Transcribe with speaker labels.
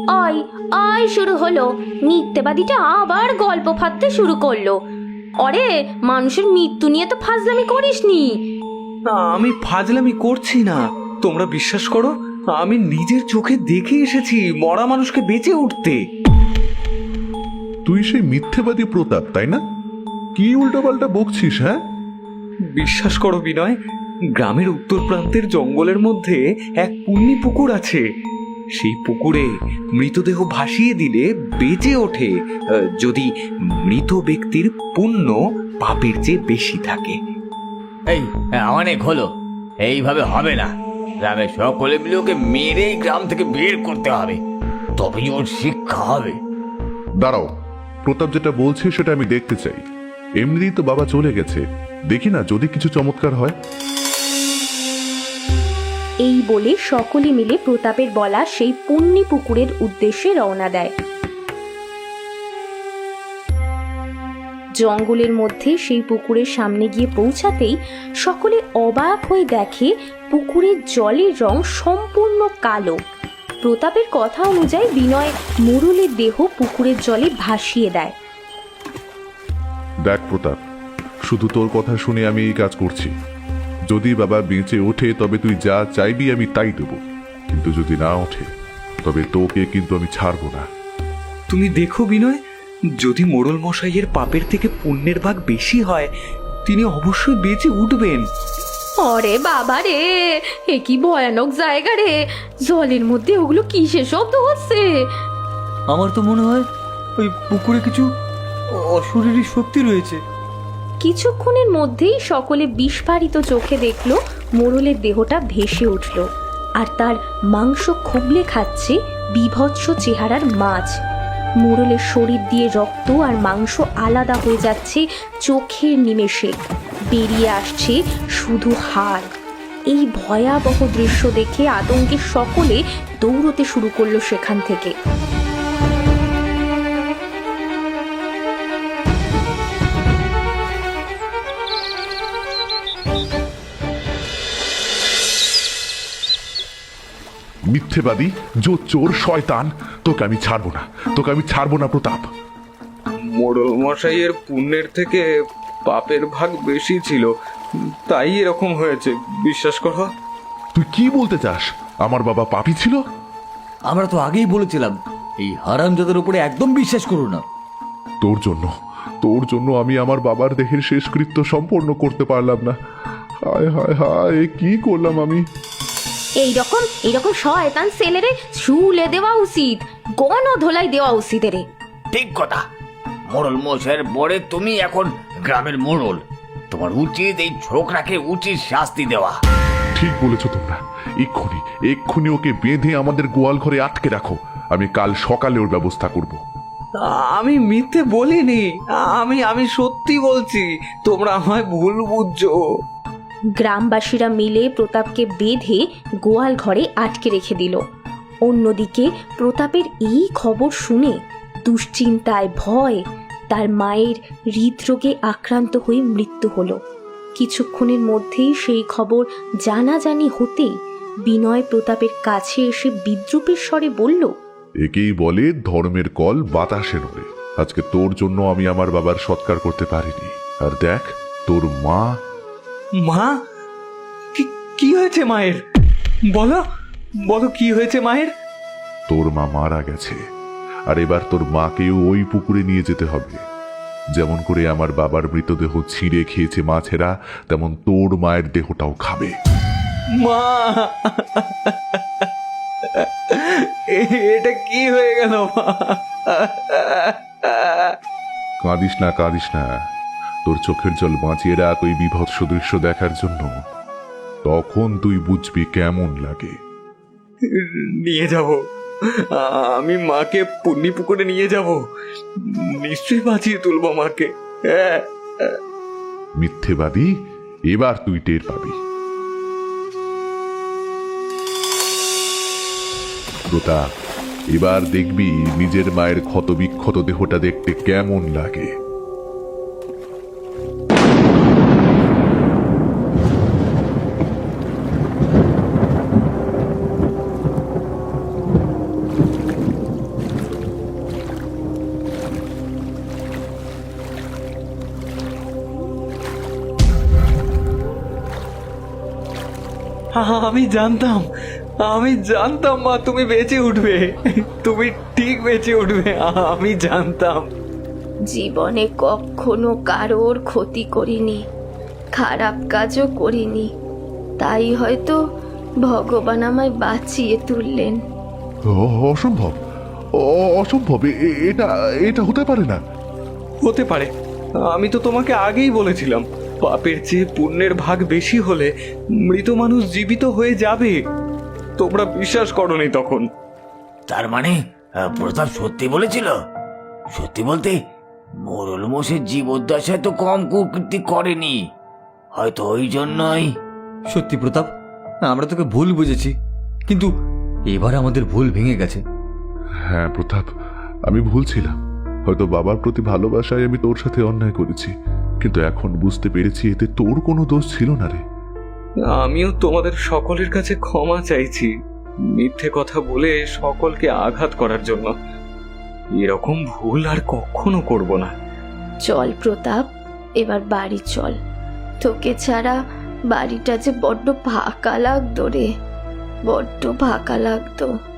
Speaker 1: আয় আয় শুরু হলো। মিথ্যেবাদীটা আবার গল্প ফাঁদতে শুরু করলো। অরে, মানুষের মৃত্যু নিয়ে তো ফাজলামি করিসনি।
Speaker 2: আমি ফাজলামি করছি না, তোমরা বিশ্বাস করো, আমি নিজের চোখে দেখে এসেছি মরা মানুষকে বেঁচে উঠতে।
Speaker 3: তুই সেই মিথ্যেবাদী প্রতাপ, তাই না? কি উল্টোপাল্টা বকছিস? হ্যাঁ,
Speaker 2: বিশ্বাস করো বিনয়, গ্রামের উত্তর প্রান্তের জঙ্গলের মধ্যে এক পুণ্যি পুকুর আছে। সেই পুকুরে মৃতদেহ ভাসিয়ে দিলে বেঁচে ওঠে, যদি মৃত ব্যক্তির পুণ্য পাপের চেয়ে বেশি থাকে।
Speaker 4: এই অনেক হলো, এইভাবে হবে না। গ্রামের সকলে মিলে ওকে মেরে গ্রাম থেকে বের করতে হবে, তবেই ওর শিক্ষা হবে।
Speaker 3: দাঁড়াও, প্রতাপ যেটা বলছে সেটা আমি দেখতে চাই। এমনিতেই তো বাবা চলে গেছে, দেখি না যদি কিছু চমৎকার হয়।
Speaker 1: এই বলে সকলে মিলে প্রতাপের বলা সেই পুণ্যি পুকুরের উদ্দেশ্যে রওনা দেয়। জঙ্গলের মধ্যে সেই পুকুরের সামনে গিয়ে পৌঁছাতেই সকলে অবাক হয়ে দেখে পুকুরের জলের রং সম্পূর্ণ কালো। প্রতাপের কথা অনুযায়ী বিনয় মোড়লের দেহ পুকুরের জলে ভাসিয়ে দেয়।
Speaker 3: দেখ প্রতাপ, শুধু তোর কথা শুনে আমি এই কাজ করছি। যদি বাবা বেঁচে ওঠে তবে তুই যা চাইবি আমি তাই দেব, কিন্তু যদি না ওঠে তবে তোকে কিন্তু আমি ছাড়বো না।
Speaker 2: তুমি দেখো বিনয়, যদি মোড়ল মশাইয়ের পাপের থেকে পুণ্যের ভাগ বেশি হয়, তিনি অবশ্যই বেঁচে উঠবেন।
Speaker 1: অরে বাবা রে, এ কি ভয়ানক জায়গা রে! জলের মধ্যে ওগুলো কিসের শব্দ হচ্ছে?
Speaker 5: আমার তো মনে হয় ওই পুকুরে কিছু অশরীরী শক্তি রয়েছে।
Speaker 1: কিছুক্ষণের মধ্যেই সকলে বিস্ফারিত চোখে দেখল মোড়লের দেহটা ভেসে উঠল, আর তার মাংস খুবলে খাচ্ছে বীভৎস চেহারার মাছ। মোড়লের শরীর দিয়ে রক্ত আর মাংস আলাদা হয়ে যাচ্ছে চোখের নিমেষে, বেরিয়ে আসছে শুধু হাড়। এই ভয়াবহ দৃশ্য দেখে আতঙ্কে সকলে দৌড়তে শুরু করলো সেখান থেকে।
Speaker 3: মিথ্যেবাদী, চোর, শয়তান, তোকে আমি ছাড়বো না, তোকে আমি ছাড়বো না প্রতাপ।
Speaker 2: মোড়ল মশাইয়ের পুণ্যের থেকে পাপের ভাগ বেশি ছিল, তাই এরকম হয়েছে, বিশ্বাস করো।
Speaker 3: তুই কি বলতে চাস? আমার বাবা পাপী ছিল?
Speaker 5: আমরা তো আগেই বলেছিলাম এই হারামজাদার উপরে একদম বিশ্বাস করো না।
Speaker 3: তোর জন্য আমি আমার বাবার দেহের শেষকৃত্য সম্পন্ন করতে পারলাম না। হায় হায় হায়, কি করলাম আমি!
Speaker 1: এইরকম শয়তান ছেলেরে শুলে দেওয়া উচিত, গণধোলাই দেওয়া উচিত রে।
Speaker 4: ঠিক কথা, মোড়ল মশাইয়ের পরে তুমি এখন গ্রামের মোড়ল, তোমার উচিত এই ছোকরাকে উচিত শাস্তি দেওয়া।
Speaker 3: ঠিক বলেছ তোমরা, এক্ষুনি ওকে বেঁধে আমাদের গোয়াল ঘরে আটকে রাখো। আমি কাল সকালে ওর ব্যবস্থা করব।
Speaker 2: আমি মিথ্যে বলিনি, আমি সত্যি বলছি, তোমরা আমায় ভুল বুঝছো।
Speaker 1: গ্রামবাসীরা মিলে প্রতাপকে বেঁধে গোয়াল ঘরে আটকে রেখে দিল। অন্যদিকে প্রতাপের এই খবর শুনে দুশ্চিন্তায় ভয় তার মায়ের হৃদরোগে আক্রান্ত হয়ে মৃত্যু হলো। কিছুক্ষণের মধ্যেই সেই খবর জানাজানি হতেই বিনয় প্রতাপের কাছে এসে বিদ্রূপের স্বরে বলল,
Speaker 3: একেই বলে ধর্মের কল বাতাসে নড়ে। আজকে তোর জন্য আমি আমার বাবার সৎকার করতে পারিনি, আর দেখ তোর মা।
Speaker 2: মা? কি হয়েছে মায়ের? বলো বলো, কি হয়েছে মায়ের?
Speaker 3: তোর মা মারা গেছে, আর এবার তোর মাকেও ওই পুকুরে নিয়ে যেতে হবে। যেমন করে আমার বাবার মৃতদেহ ছিঁড়ে খেয়েছে মাছেরা, তেমন তোর মায়ের দেহটাও খাবে।
Speaker 2: মা, এটা কি হয়ে গেল মা?
Speaker 3: কাঁদিস না, তোর চোখের জল বাঁচিয়ে রাখ ওই বিভৎস দৃশ্য দেখার জন্য। তখন তুই বুঝবি কেমন লাগে।
Speaker 2: নিয়ে যাব, আমি মাকে পুণ্যি পুকুরে নিয়ে যাব, নিশ্চয়ই বাঁচিয়ে তুলবো মাকে।
Speaker 3: মিথ্যেবাদী, এবার তুই টের পাবি। প্রতাপ, এবার দেখবি নিজের মায়ের ক্ষত বিক্ষত দেহটা দেখতে কেমন লাগে।
Speaker 2: আমি জানতাম, আমি জানতাম মা তুমি বেঁচে উঠবে, তুমি ঠিক বেঁচে উঠবে, আমি জানতাম।
Speaker 1: জীবনে কখনো কারোর ক্ষতি করিনি, খারাপ কাজও করিনি, তাই হয়তো ভগবান আমায় বাঁচিয়ে তুললেন।
Speaker 3: অসম্ভব, অসম্ভব, এটা এটা হতে পারে না।
Speaker 2: হতে পারে, আমি তো তোমাকে আগেই বলেছিলাম পাপের চেয়ে পুণ্যের ভাগ বেশি হলে মৃত মানুষ জীবিত হয়ে যাবে। তোমরা বিশ্বাস করোনি তখন।
Speaker 4: তার মানে প্রতাপ সত্যি বলেছিল? সত্যি বলতে মোরল মোষের জীবদ্দশায় তো কম কুকীর্তি করেনি, হয়তো ওই জন্যই।
Speaker 5: সত্যি প্রতাপ, আমরা তোকে ভুল বুঝেছি, কিন্তু এবার আমাদের ভুল ভেঙে গেছে।
Speaker 3: হ্যাঁ প্রতাপ, আমি ভুল ছিলাম। হয়তো বাবার প্রতি ভালোবাসায় আমি তোর সাথে অন্যায় করেছি, কিন্তু এখন বুঝতে পেরেছি এতে তোর কোনো দোষ ছিল না রে।
Speaker 2: আমিও তোমাদের সকলের কাছে ক্ষমা চাইছি, মিথ্যে কথা বলে সকলকে আঘাত করার জন্য। এরকম ভুল আর কখনো করব না।
Speaker 1: চল প্রতাপ, এবার বাড়ি চল। তোকে ছাড়া বাড়িটা যে বড্ড ফাঁকা লাগতো রে, বড্ড ফাঁকা লাগতো।